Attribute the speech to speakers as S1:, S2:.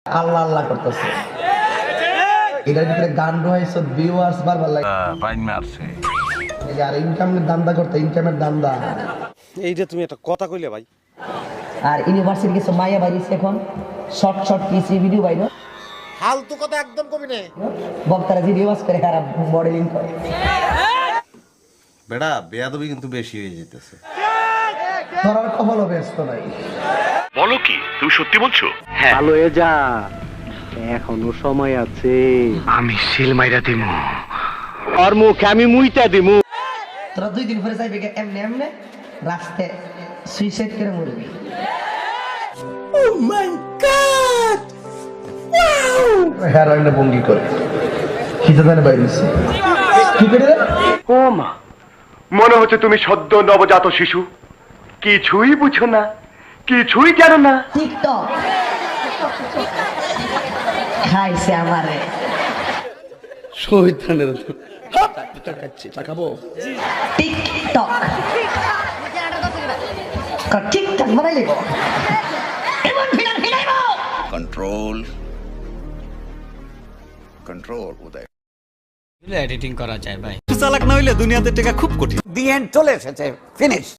S1: আল্লাহ আল্লাহ করতেছে, এটার ভিতরে গান রয়েছে, ভিউয়ার্স বারবার লাগে
S2: বাইন মারছে।
S1: এই যে আর ইনকামের দান্দা করতে, ইনকামের দান্দা।
S3: এইটা তুমি একটা কথা কইলে ভাই।
S1: আর ইউনিভার্সিটি কিছু মাইয়া বাইরেছে এখন, শর্ট শর্ট পিসি ভিডিও বাইরে,
S3: ফালতু কথা একদম কবি না।
S1: বক্তারা ভিডিও ওয়াচ করে, খারাপ মডেলিং করে।
S4: বেটা বেয়াদবি কিন্তু বেশি হয়ে যেতেছে।
S1: ধরার কপালও ব্যস্ত নাই।
S5: বলো কি তুমি সত্যি বলছো?
S6: ভালো হয়ে যা, এখনো সময় আছে।
S5: আমি সিল মাইরা দিমু।
S6: আর মুখে আমি মুইতা দিমু।
S1: তোরা 2 দিন পরে যাইবে এমনি এমনি রাস্তায় সুইসাইড করে মরবি। ও মাই গড, ওয়াও! হেরোইনের ভঙ্গি করে খিদে জানে বাইরেছে। কি করে রে?
S5: ও মা, মনে হচ্ছে তুমি সদ্য নবজাত শিশু, কিছুই বুঝো না, কিছুই জানো না।
S1: টিকটক খাইছে আমারে।
S4: শহীদানের খাবো
S1: টিকটক টিকটক বানাই লিখো, এমন ভিডিও ভিড়াইবো।
S4: Control control Uday.
S7: এডিটিং করা যায় ভাই।
S8: চালাক না হইলে দুনিয়াতে টেকা খুব কঠিন।
S9: দি এন্ড চলে এসেছে, ফিনিশ।